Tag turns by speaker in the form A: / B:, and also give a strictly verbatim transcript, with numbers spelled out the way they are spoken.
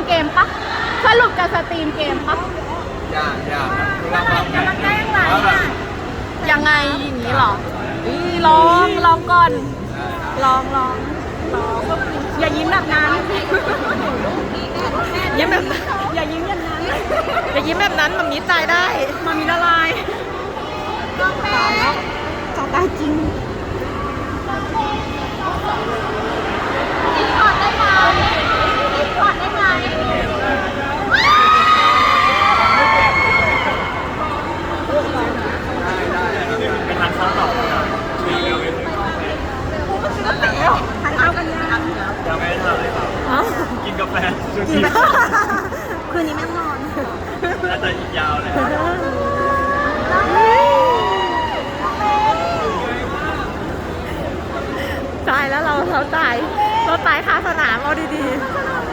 A: เกมปะสรุปจะสตรีมเกมปะ
B: ยากยากครับ
A: กำลังได้ยังไงอ่ะยังไงอย่างนี้เหรออีลองลองก่อนลองลองลองอย่ายิ้มแบบนั้นยิ้มแบบอย่ายิ้มอย่างนั้นอย่ายิ้มแบบนั้นมันมีตายได้มันมีละลายตายแล้วจะตายจริงกอดได้ไหมกอดได้ไหม
B: เป็นทางซ้อมต่อ
A: ทานข้าวกันยัง
B: ยังไม่ได้ทำเลยครับกินกาแฟชูชี
A: คืนนี้ไม่นอน
B: น่าจะอีกยาวเลย
A: ตายแล้วเราเราตายเราตายคาสนามเอาดีๆ